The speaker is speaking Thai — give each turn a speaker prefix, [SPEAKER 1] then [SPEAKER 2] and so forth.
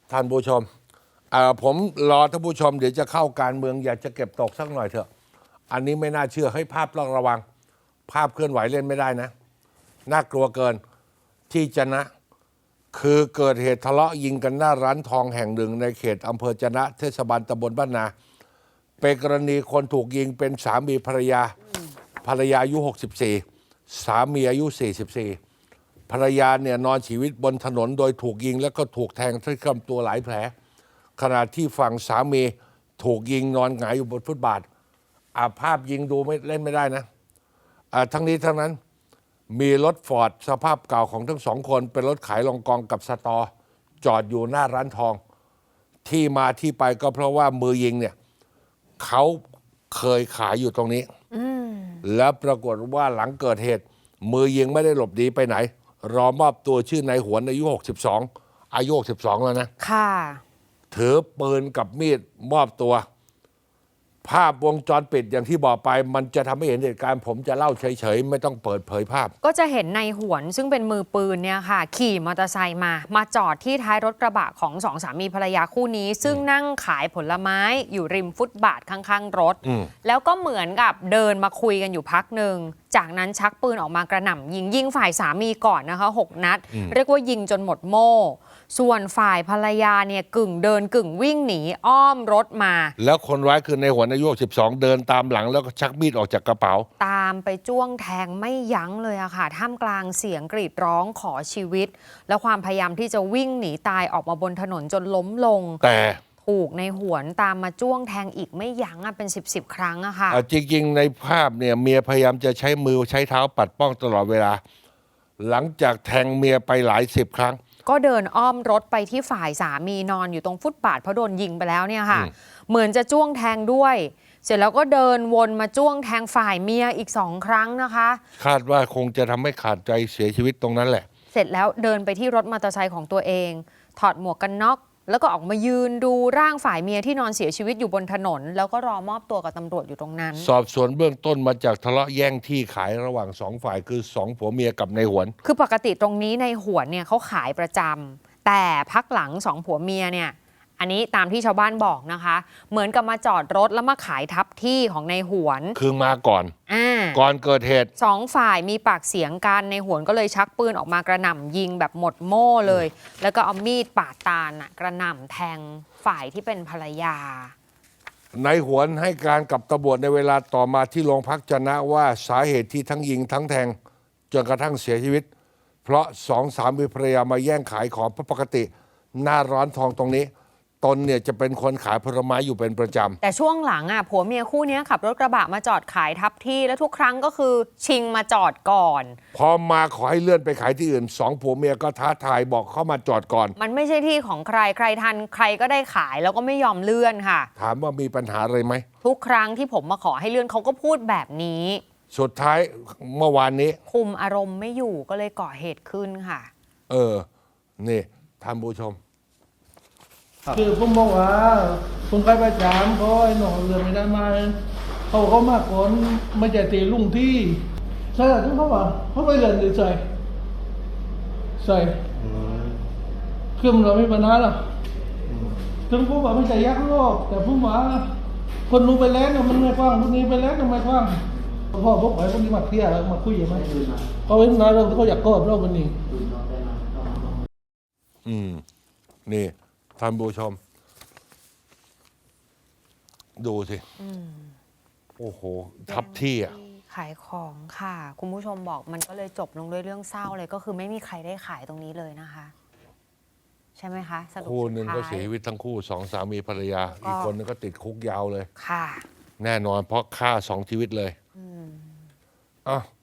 [SPEAKER 1] ท่านผู้ชมผมรอท่านผู้ชมเดี๋ยวจะเข้าการเมืองอยากจะเก็บตกสักหน่อยเถอะอันนี้ไม่น่าเชื่อให้ภาพต้องระวังภาพเคลื่อนไหวเล่นไม่ได้นะน่ากลัวเกินที่จะนะคือเกิดเหตุทะเลาะยิงกันหน้าร้านทองแห่งหนึ่งในเขตอำเภอจะนะเทศบาลตำบลบ้านนาเป็นกรณีคนถูกยิงเป็นสามีภรรยาอายุ64สามีอายุ44ภรรยาเนี่ยนอนชีวิตบนถนนโดยถูกยิงแล้วก็ถูกแทงที่ลำตัวหลายแผลขณะที่ฝั่งสามีถูกยิงนอนหงายอยู่บนฟุตบาทภาพยิงดูไม่เล่นไม่ได้นะทั้งนี้ทั้งนั้นมีรถฟอร์ดสภาพเก่าของทั้งสองคนเป็นรถขายรองกองกับสตอจอดอยู่หน้าร้านทองที่มาที่ไปก็เพราะว่ามือยิงเนี่ยเขาเคยขายอยู่ตรงนี้แล้วปรากฏว่าหลังเกิดเหตุมือยิงไม่ได้หลบหนีไปไหนรอมอบตัวชื่อนายหวนอายุ62แล้วนะ
[SPEAKER 2] ค่ะ
[SPEAKER 1] ถือปืนกับมีดมอบตัวภาพวงจรปิดอย่างที่บอกไปมันจะทำให้เห็นเหตุการณ์ผมจะเล่าเฉยๆไม่ต้องเปิดเผยภาพ
[SPEAKER 2] ก็จะเห็นนายหวนซึ่งเป็นมือปืนเนี่ยค่ะขี่มอเตอร์ไซค์มาจอดที่ท้ายรถกระบะของสองสามีภรรยาคู่นี้ซึ่งนั่งขายผลไม้อยู่ริมฟุตบาทข้างๆรถแล้วก็เหมือนกับเดินมาคุยกันอยู่พักหนึ่งจากนั้นชักปืนออกมากระหน่ำยิงฝ่ายสามีก่อนนะคะ6 นัดเรียกว่ายิงจนหมดโม่ส่วนฝ่ายภรรยาเนี่ยกึ่งเดินกึ่งวิ่งหนีอ้อมรถมา
[SPEAKER 1] แล้วคนร้ายคือในหัวอายุ12เดินตามหลังแล้วก็ชักมีดออกจากกระเป๋า
[SPEAKER 2] ตามไปจ้วงแทงไม่ยั้งเลยอะค่ะท่ามกลางเสียงกรีดร้องขอชีวิตและความพยายามที่จะวิ่งหนีตายออกมาบนถนนจนล้มลง
[SPEAKER 1] แต่
[SPEAKER 2] ถูกในหวนตามมาจ้วงแทงอีกไม่ยั้งเป็น10ครั้งอะค่ะ
[SPEAKER 1] จริงๆในภาพเนี่ยเมียพยายามจะใช้มือใช้เท้าปัดป้องตลอดเวลาหลังจากแทงเมียไปหลาย10 ครั้ง
[SPEAKER 2] ก็เดินอ้อมรถไปที่ฝ่ายสามีนอนอยู่ตรงฟุตบาทเพราะโดนยิงไปแล้วเนี่ยค่ะเหมือนจะจ้วงแทงด้วยเสร็จแล้วก็เดินวนมาจ้วงแทงฝ่ายเมียอีก2 ครั้งนะคะ
[SPEAKER 1] คาดว่าคงจะทำให้ขาดใจเสียชีวิตตรงนั้นแหละ
[SPEAKER 2] เสร็จแล้วเดินไปที่รถมอเตอร์ไซค์ของตัวเองถอดหมวกกันน็อกแล้วก็ออกมายืนดูร่างฝ่ายเมียที่นอนเสียชีวิตอยู่บนถนนแล้วก็รอมอบตัวกับตำรวจอยู่ตรงนั้น
[SPEAKER 1] สอบสวนเบื้องต้นมาจากทะเลาะแย่งที่ขายระหว่าง2 ฝ่ายคือ2 ผัวเมียกับนายหวน
[SPEAKER 2] คือปกติตรงนี้นายหวนเนี่ยเขาขายประจำแต่พักหลัง2 ผัวเมียเนี่ยอันนี้ตามที่ชาวบ้านบอกนะคะเหมือนกับมาจอดรถแล้วมาขายทับที่ของนายหวน
[SPEAKER 1] คือมาก่อนก่อนเกิดเหตุ
[SPEAKER 2] 2 ฝ่ายมีปากเสียงกันนายหวนก็เลยชักปืนออกมากระหน่ำยิงแบบหมดโม่เลยแล้วก็เอามีดปาดตาลกระหน่ำแทงฝ่ายที่เป็นภรรยาน
[SPEAKER 1] ายหวนให้การกับตำรวจในเวลาต่อมาที่โรงพักจะนะว่าสาเหตุที่ทั้งยิงทั้งแทงจนกระทั่งเสียชีวิตเพราะ2 สามีภรรยามาแย่งขายของเพราะปกติหน้าร้านทองตรงนี้ตนเนี่ยจะเป็นคนขายผลไม้อยู่เป็นประจำ
[SPEAKER 2] แต่ช่วงหลังผัวเมียคู่นี้ขับรถกระบะมาจอดขายทับที่แล้วทุกครั้งก็คือชิงมาจอดก่อน
[SPEAKER 1] พอมาขอให้เลื่อนไปขายที่อื่น2 ผัวเมียก็ท้าทายบอกเข้ามาจอดก่อน
[SPEAKER 2] มันไม่ใช่ที่ของใครใครทันใครก็ได้ขายแล้วก็ไม่ยอมเลื่อนค่ะ
[SPEAKER 1] ถามว่ามีปัญหาอะไรไหม
[SPEAKER 2] ทุกครั้งที่ผมมาขอให้เลื่อนเขาก็พูดแบบนี้
[SPEAKER 1] สุดท้ายเมื่อวานนี้
[SPEAKER 2] คุมอารมณ์ไม่อยู่ก็เลยก่อเหตุขึ้นค่ะ
[SPEAKER 1] นี่ท่านผู้ชม
[SPEAKER 3] คือผมบอกว่าผมไปประจำเขาไอ้หนองเรือไม่ได้มาเขามากก่อนไม่ใจตีลุงที่ใช่หรือที่เขาว่าเขาไปเรียนหรือใส่คือมันเราไม่ปัญหาหรอกถึงผมว่าไม่ใจยักษ์โลกแต่ผมว่าคนรู้ไปแล้วเนี่ยมันไม่กว้างคนนี้ไปแล้วเนี่ยไม่กว้างพ่อพวกไอ้พวกนี้มาเคลียร์มาคุยยังไงเขาเห็นนายเราเขาอยากกอดเราวันนี้
[SPEAKER 1] นี่ท่านผู้ชมดูสิโอ้โหทับที่
[SPEAKER 2] ขายของค่ะคุณผู้ชมบอกมันก็เลยจบลงด้วยเรื่องเศร้าเลยก็คือไม่มีใครได้ขายตรงนี้เลยนะคะใช่ไหมคะ
[SPEAKER 1] คู่หนึ่งก็เสียชีวิตทั้งคู่2 สามีภรรยาอีกคนนึงก็ติดคุกยาวเลย
[SPEAKER 2] ค่ะ
[SPEAKER 1] แน่นอนเพราะฆ่า2 ชีวิตเลย